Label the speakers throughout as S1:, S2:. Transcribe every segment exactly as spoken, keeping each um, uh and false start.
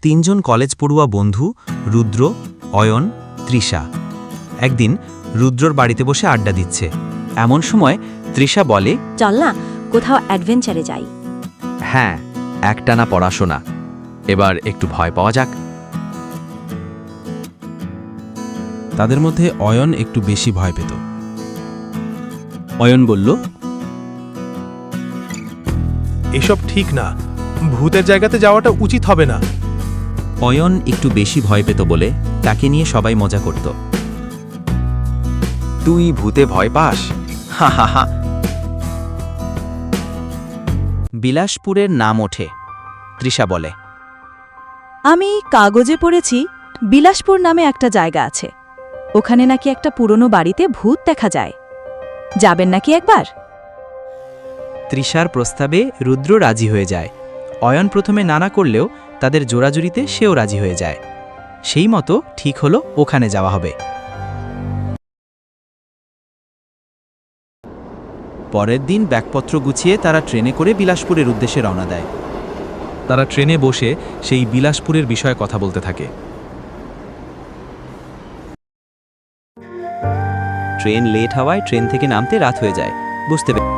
S1: তিনজন কলেজ পড়ুয়া বন্ধু রুদ্র, অয়ন, তৃষা একদিন রুদ্রর বাড়িতে বসে আড্ডা দিচ্ছে। এমন সময় তৃষা বলে,
S2: চল না কোথাও অ্যাডভেঞ্চারে যাই।
S3: হ্যাঁ, একটানা পড়াশোনা, এবার একটু ভয় পাওয়া যাক।
S4: তাদের মধ্যে অয়ন একটু বেশি ভয় পেত।
S1: অয়ন বলল,
S5: এসব ঠিক না, ভূতের জায়গাতে যাওয়াটা উচিত হবে না।
S1: অয়ন একটু বেশি ভয় পেত বলে তাকে নিয়ে সবাই মজা করত।
S3: তুই ভূতে ভয় পাস? হা হা হা।
S1: বিলাসপুরের নাম ওঠে। তৃষা বলে,
S2: আমি কাগজে পড়েছি বিলাসপুর নামে একটা জায়গা আছে, ওখানে নাকি একটা পুরনো বাড়িতে ভূত দেখা যায়। যাবেন নাকি একবার?
S1: তৃষার প্রস্তাবে রুদ্র রাজি হয়ে যায়। অয়ন প্রথমে নানা করলেও তাদের জোড়াজুড়িতে সেও রাজি হয়ে যায়। সেই মতো ঠিক হলো ওখানে যাওয়া হবে। পরের দিন ব্যাগপত্র গুছিয়ে তারা ট্রেনে করে বিলাসপুরের উদ্দেশ্যে রওনা দেয়।
S4: তারা ট্রেনে বসে সেই বিলাসপুরের বিষয়ে কথা বলতে থাকে।
S1: ট্রেন লেট হওয়ায় ট্রেন থেকে নামতে রাত হয়ে যায়। বুঝতে পেরে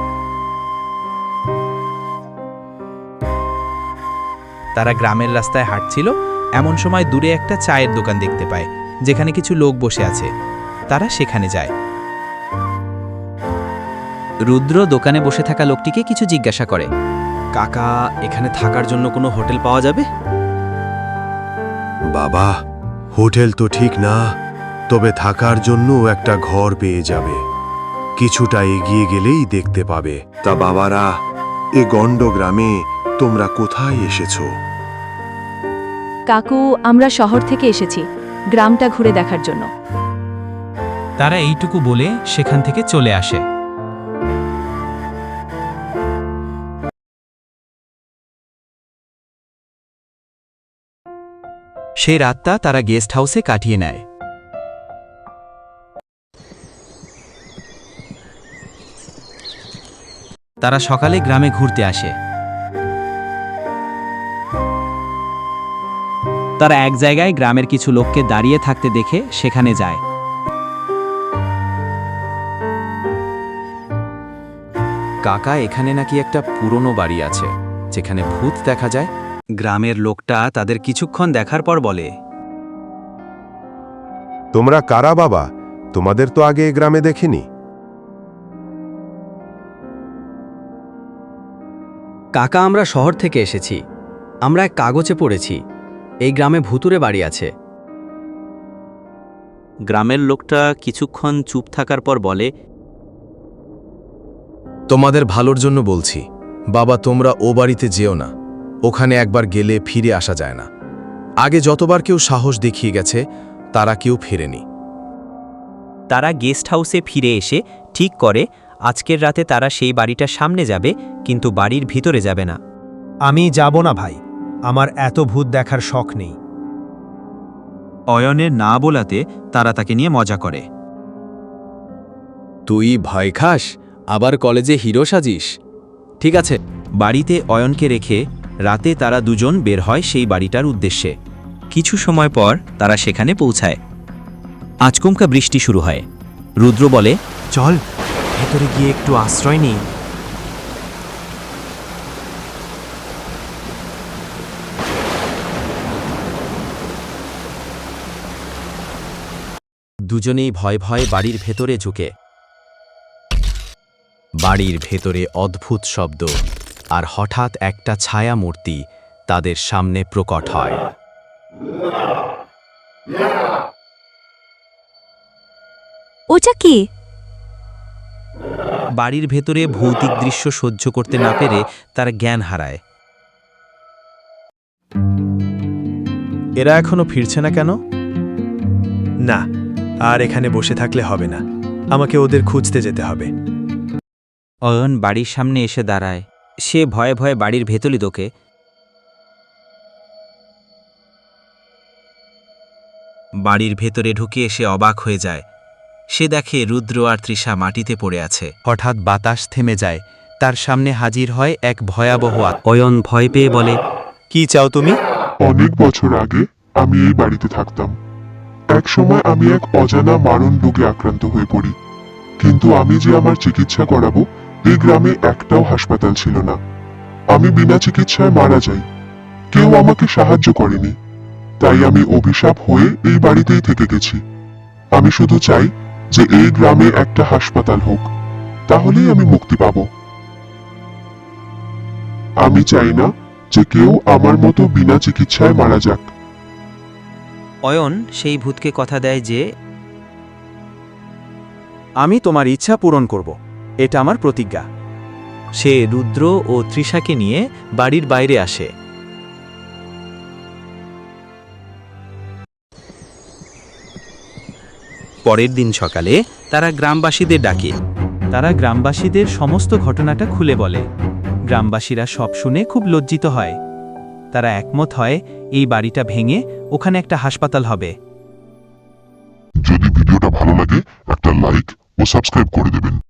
S1: তারা গ্রামের রাস্তায় হাঁটছিল। এমন সময় দূরে একটা চায়ের দোকান দেখতে পায়, যেখানে কিছু লোক বসে আছে। তারা সেখানে যায়। রুদ্র দোকানে বসে থাকা লোকটিকে কিছু জিজ্ঞাসা করে,
S3: কাকা, এখানে থাকার জন্য কোনো হোটেল পাওয়া যাবে?
S6: বাবা, হোটেল তো ঠিক না, তবে থাকার জন্য একটা ঘর পেয়ে যাবে। কিছুটা এগিয়ে গেলেই দেখতে পাবে। তা বাবারা, এ গণ্ড গ্রামে তোমরা কোথায় এসেছো?
S2: কাকু, আমরা শহর থেকে এসেছি গ্রামটা ঘুরে দেখার জন্য।
S4: তারা এইটুকু বলে সেখান থেকে চলে আসে।
S1: সেই রাতটা তারা গেস্ট হাউসে কাটিয়ে নেয়। তারা সকালে গ্রামে ঘুরতে আসে। তারা এক জায়গায় গ্রামের কিছু লোককে দাঁড়িয়ে থাকতে দেখে সেখানে যায়।
S3: কাকা, এখানে নাকি একটা পুরনো বাড়ি আছে যেখানে ভূত দেখা যায়।
S1: গ্রামের লোকটা তাদের কিছুক্ষণ দেখার পর বলে,
S6: তোমরা কারা বাবা? তোমাদের তো আগে এ গ্রামে দেখিনি।
S3: কাকা, আমরা শহর থেকে এসেছি। আমরা এক কাগজে পড়েছি এই গ্রামে ভূতুরে বাড়ি আছে।
S1: গ্রামের লোকটা কিছুক্ষণ চুপ থাকার পর বলে,
S7: তোমাদের ভালোর জন্য বলছি বাবা, তোমরা ও বাড়িতে যেও না। ওখানে একবার গেলে ফিরে আসা যায় না। আগে যতবার কেউ সাহস দেখিয়ে গেছে তারা কেউ ফেরেনি।
S1: তারা গেস্ট হাউসে ফিরে এসে ঠিক করে আজকের রাতে তারা সেই বাড়িটার সামনে যাবে, কিন্তু বাড়ির ভিতরে যাবে না।
S5: আমি যাব না ভাই, আমার এত ভূত দেখার শখ নেই।
S1: অয়নের না বলাতে তারা তাকে নিয়ে মজা করে।
S7: তুই ভয় খাস, আবার কলেজে হিরো সাজিস?
S1: ঠিক আছে। বাড়িতে অয়নকে রেখে রাতে তারা দুজন বের হয় সেই বাড়িটার উদ্দেশ্যে। কিছু সময় পর তারা সেখানে পৌঁছায়। আচমকা বৃষ্টি শুরু হয়। রুদ্র বলে,
S5: চল ভেতরে গিয়ে একটু আশ্রয় নিই।
S1: দুজনেই ভয় ভয় বাড়ির ভেতরে ঝুঁকে।
S7: বাড়ির ভেতরে অদ্ভুত শব্দ, আর হঠাৎ একটা ছায়া মূর্তি তাদের সামনে প্রকট হয়।
S2: ওটা কি?
S1: বাড়ির ভেতরে ভৌতিক দৃশ্য সহ্য করতে না পেরে তারা জ্ঞান হারায়।
S5: এরা এখনো ফিরছে না কেন? না, আর এখানে বসে থাকলে হবে না, আমাকে ওদের খুঁজতে যেতে হবে।
S1: অয়ন বাড়ির সামনে এসে দাঁড়ায়। সে ভয়ে ভয়ে বাড়ির ভেতরই ঢোকে। বাড়ির ভেতরে ঢুকে এসে অবাক হয়ে যায়। সে দেখে রুদ্র আর তৃষা মাটিতে পড়ে আছে। হঠাৎ বাতাস থেমে যায়। তার সামনে হাজির হয় এক ভয়াবহ আত্মা। অয়ন ভয় পেয়ে বলে,
S5: কি চাও তুমি?
S8: অনেক বছর আগে আমি এই বাড়িতে থাকতাম। এক সময় আমি এক অজানা মারণ রোগে আক্রান্ত হয়ে পড়ি, কিন্তু আমি যে আমার চিকিৎসা করাবো এই গ্রামে একটাও হাসপাতাল ছিল না। আমি বিনা চিকিৎসায় মারা যাই, কেউ আমাকে সাহায্য করেনি, তাই আমি অভিশাপ হয়ে এই বাড়িতেই থেকে গেছি। আমি শুধু চাই যে এই গ্রামে একটা হাসপাতাল হোক, তাহলেই আমি মুক্তি পাব। আমি চাই না যে কেউ আমার মতো বিনা চিকিৎসায় মারা যাক।
S1: অয়ন সেই ভূতকে কথা দেয় যে
S5: আমি তোমার ইচ্ছা পূরণ করব, এটা আমার প্রতিজ্ঞা।
S4: সে রুদ্র ও তৃষাকে নিয়ে বাড়ির বাইরে আসে।
S1: পরের দিন সকালে তারা গ্রামবাসীদের ডাকে।
S4: তারা গ্রামবাসীদের সমস্ত ঘটনাটা খুলে বলে। গ্রামবাসীরা সব শুনে খুব লজ্জিত হয়। তারা একমত হয় এই বাড়িটা ভেঙে ওখানে একটা হাসপাতাল হবে।
S8: যদি ভিডিওটা ভালো লাগে একটা লাইক ও সাবস্ক্রাইব করে দেবেন।